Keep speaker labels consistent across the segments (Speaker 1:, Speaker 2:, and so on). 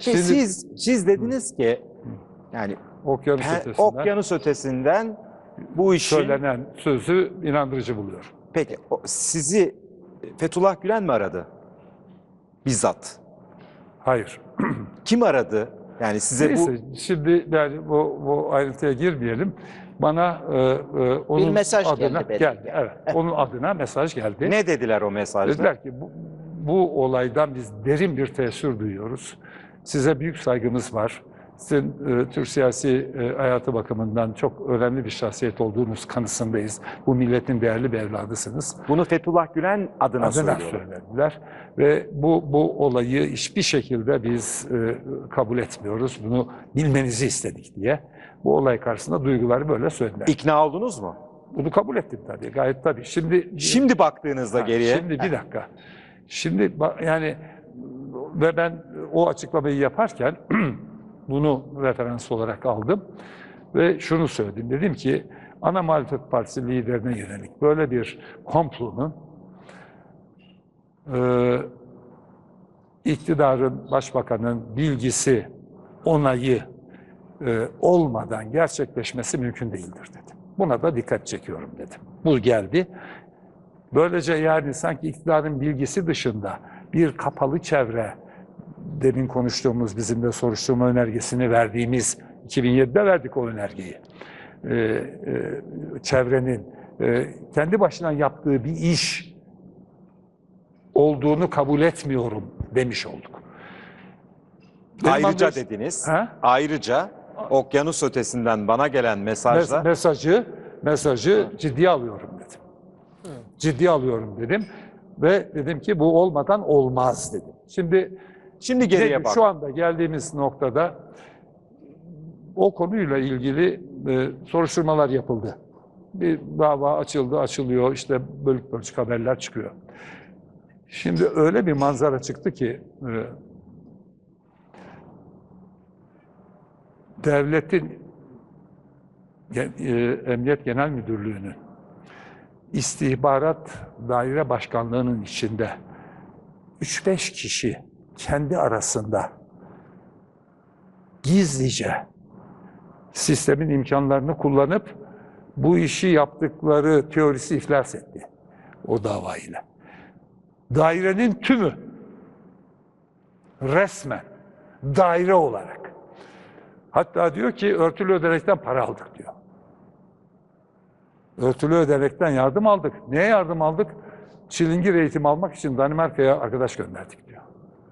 Speaker 1: Şimdi, siz dediniz ki yani okyanus ötesinden bu işin
Speaker 2: söylenen sözü inandırıcı buluyor.
Speaker 1: Peki sizi Fethullah Gülen mi aradı? Bizzat.
Speaker 2: Hayır.
Speaker 1: Kim aradı? Yani size
Speaker 2: Neyse, şimdi yani bu ayrıntıya girmeyelim. Bana onun
Speaker 3: bir mesaj
Speaker 2: adına
Speaker 3: geldi.
Speaker 2: Evet, onun adına mesaj geldi.
Speaker 1: Ne dediler o mesajda?
Speaker 2: Dediler ki bu olaydan biz derin bir teessür duyuyoruz. Size büyük saygımız var. Sizin Türk siyasi hayatı bakımından çok önemli bir şahsiyet olduğunuz kanısındayız. Bu milletin değerli bir evladısınız.
Speaker 1: Bunu Fethullah Gülen adına
Speaker 2: söylediler. Ve bu olayı hiçbir şekilde biz kabul etmiyoruz. Bunu bilmenizi istedik diye. Bu olay karşısında duyguları böyle söylediler.
Speaker 1: İkna oldunuz mu?
Speaker 2: Bunu kabul ettim tabii. Gayet tabii.
Speaker 1: Şimdi baktığınızda geriye.
Speaker 2: Şimdi bir dakika. Şimdi yani ve ben o açıklamayı yaparken bunu referans olarak aldım ve şunu söyledim. Dedim ki ana muhalefet partisi liderine yönelik böyle bir komplonun iktidarın, başbakanın bilgisi, onayı olmadan gerçekleşmesi mümkün değildir dedim. Buna da dikkat çekiyorum dedim. Bu geldi. Böylece yani sanki iktidarın bilgisi dışında bir kapalı çevre, demin konuştuğumuz, bizim de soruşturma önergesini verdiğimiz, 2007'de verdik o önergeyi. Çevrenin kendi başına yaptığı bir iş olduğunu kabul etmiyorum demiş olduk.
Speaker 1: Ayrıca dediniz, ayrıca okyanus ötesinden bana gelen
Speaker 2: mesajı ciddiye alıyorum dedim. Ciddiye alıyorum dedim ve dedim ki bu olmadan olmaz dedim. Şimdi geriye bak. Şu anda geldiğimiz noktada o konuyla ilgili soruşturmalar yapıldı. Bir dava açılıyor, işte bölük bölçük haberler çıkıyor. Şimdi öyle bir manzara çıktı ki devletin Emniyet Genel Müdürlüğü'nün istihbarat daire başkanlığının içinde 3-5 kişi kendi arasında gizlice sistemin imkanlarını kullanıp bu işi yaptıkları teorisi iflas etti o davayla. Dairenin tümü resmen daire olarak, hatta diyor ki örtülü ödenekten para aldık diyor. Örtülü ödenekten yardım aldık. Neye yardım aldık? Çilingir eğitim almak için Danimarka'ya arkadaş gönderdik diyor.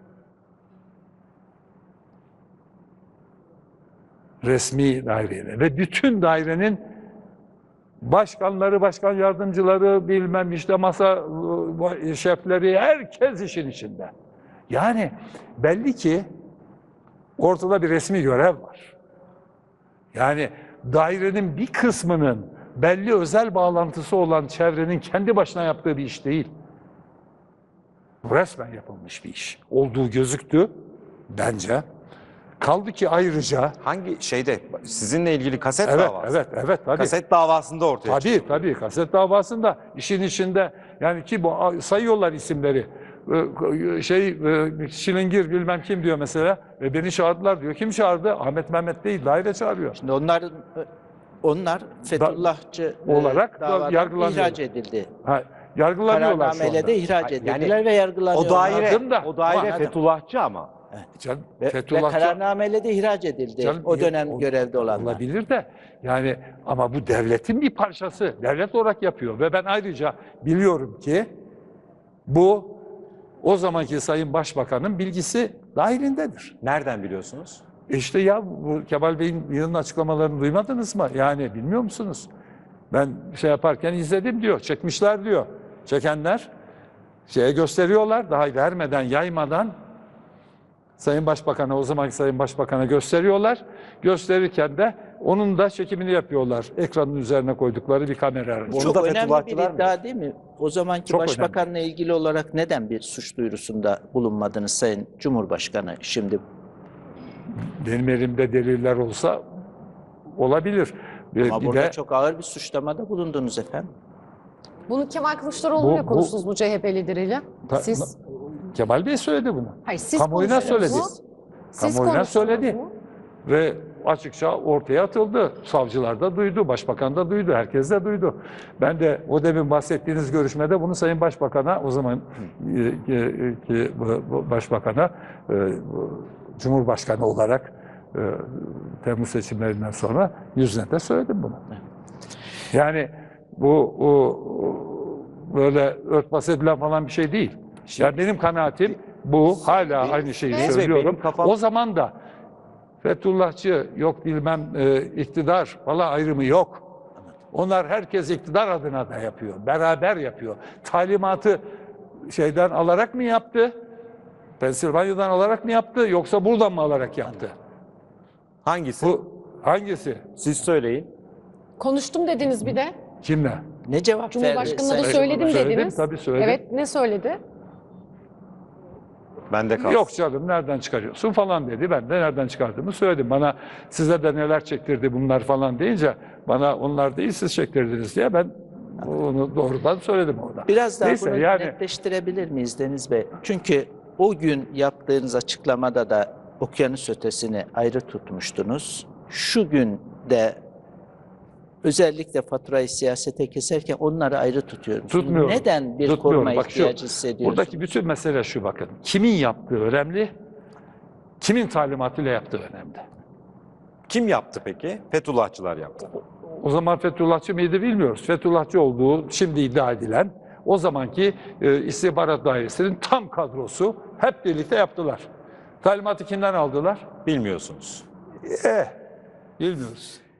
Speaker 2: Resmi daireyle ve bütün dairenin başkanları, başkan yardımcıları, bilmem işte masa şefleri, herkes işin içinde. Yani belli ki ortada bir resmi görev var. Yani dairenin bir kısmının belli özel bağlantısı olan çevrenin kendi başına yaptığı bir iş değil. Resmen yapılmış bir iş olduğu gözüktü bence. Kaldı ki ayrıca
Speaker 1: hangi şeyde sizinle ilgili kaset davası?
Speaker 2: Evet tabii.
Speaker 1: Kaset davasında ortaya çıktı.
Speaker 2: Tabii kaset davasında işin içinde yani ki bu sayıyorlar isimleri. Şilingir bilmem kim diyor mesela. Beni çağırdılar diyor. Kim çağırdı? Ahmet Mehmet değil, daire çağırıyor.
Speaker 3: Şimdi onlar Fethullahçı
Speaker 2: olarak
Speaker 3: davadan ihraç edildi.
Speaker 2: Yargılanıyorlar şu anda.
Speaker 3: Kararnameyle de ihraç edildiler ve yargılanıyorlar.
Speaker 1: O daire Fethullahçı ama.
Speaker 3: Ve kararnameyle de ihraç edildi. O dönem görevde olanlar.
Speaker 2: Olabilir de yani ama bu devletin bir parçası. Devlet olarak yapıyor ve ben ayrıca biliyorum ki bu o zamanki Sayın Başbakan'ın bilgisi dahilindedir.
Speaker 1: Nereden biliyorsunuz?
Speaker 2: İşte ya bu Kemal Bey'in yılın açıklamalarını duymadınız mı? Yani bilmiyor musunuz? Ben yaparken izledim diyor. Çekmişler diyor. Çekenler gösteriyorlar. Daha vermeden, yaymadan Sayın Başbakan'a, o zamanki Sayın Başbakan'a gösteriyorlar. Gösterirken de onun da çekimini yapıyorlar. Ekranın üzerine koydukları bir kamera.
Speaker 3: Çok önemli bir iddia değil mi? O zamanki Başbakan'la ilgili olarak neden bir suç duyurusunda bulunmadınız Sayın Cumhurbaşkanı şimdi?
Speaker 2: Benim elimde deliller olsa olabilir.
Speaker 3: Ama burada çok ağır bir suçlamada bulundunuz efendim.
Speaker 4: Bunu Kemal Kılıçdaroğlu'yla konuştunuz bu CHP lideriyle. Siz?
Speaker 2: Kemal Bey söyledi bunu.
Speaker 4: Hayır, siz
Speaker 2: kamuoyuna söyledi.
Speaker 4: Siz
Speaker 2: kamuoyuna
Speaker 4: konuştunuz
Speaker 2: söyledi.
Speaker 4: mu?
Speaker 2: Ve açıkça ortaya atıldı. Savcılar da duydu, başbakan da duydu, herkes de duydu. Ben de o demin bahsettiğiniz görüşmede bunu Sayın Başbakan'a, o zaman Başbakan'a, Cumhurbaşkanı olarak Temmuz seçimlerinden sonra yüzüne de söyledim bunu. Yani bu böyle örtbas edilen falan bir şey değil. Yani benim kanaatim bu, hala aynı şeyi
Speaker 1: Deniz Bey,
Speaker 2: söylüyorum.
Speaker 1: benim kafam-
Speaker 2: O zaman da Fethullahçı, yok bilmem iktidar falan ayrımı yok. Onlar herkes iktidar adına da yapıyor. Beraber yapıyor. Talimatı şeyden alarak mı yaptı? Pensilvanya'dan alarak mı yaptı? Yoksa buradan mı alarak yaptı?
Speaker 1: Hangisi?
Speaker 2: Bu hangisi?
Speaker 1: Siz söyleyin.
Speaker 4: Konuştum dediniz bir de.
Speaker 2: Kimle?
Speaker 3: Ne cevap verdi?
Speaker 4: Cumhurbaşkanı'na da
Speaker 3: Sayın
Speaker 4: söyledim
Speaker 3: Cumhurbaşkanı?
Speaker 4: dediniz.
Speaker 2: Tabii söyledim.
Speaker 4: Evet, ne söyledi?
Speaker 1: Ben de kalsın.
Speaker 2: Yok canım, nereden çıkarıyorsun falan dedi. Ben de nereden çıkardığımı söyledim. Bana size de neler çektirdi bunlar falan deyince, bana onlar değil siz çektirdiniz diye ben onu doğrudan söyledim orada.
Speaker 3: Biraz daha
Speaker 2: Neyse,
Speaker 3: bunu
Speaker 2: yani
Speaker 3: netleştirebilir miyiz Deniz Bey? Çünkü o gün yaptığınız açıklamada da okyanus ötesini ayrı tutmuştunuz. Şu gün de özellikle faturayı siyasete keserken onları ayrı tutuyorsunuz.
Speaker 2: Tutmuyorum.
Speaker 3: Neden bir
Speaker 2: Tutmuyorum.
Speaker 3: koruma
Speaker 2: Bak
Speaker 3: ihtiyacı hissediyorsunuz?
Speaker 2: buradaki bütün mesele şu, bakın. Kimin yaptığı önemli, kimin talimatıyla yaptığı önemli.
Speaker 1: Kim yaptı peki? Fethullahçılar yaptı.
Speaker 2: O zaman Fethullahçı mıydı bilmiyoruz. Fethullahçı olduğu şimdi iddia edilen o zamanki istihbarat dairesinin tam kadrosu hep birlikte yaptılar. Talimatı kimden aldılar?
Speaker 1: Bilmiyorsunuz.
Speaker 2: Bilmiyoruz.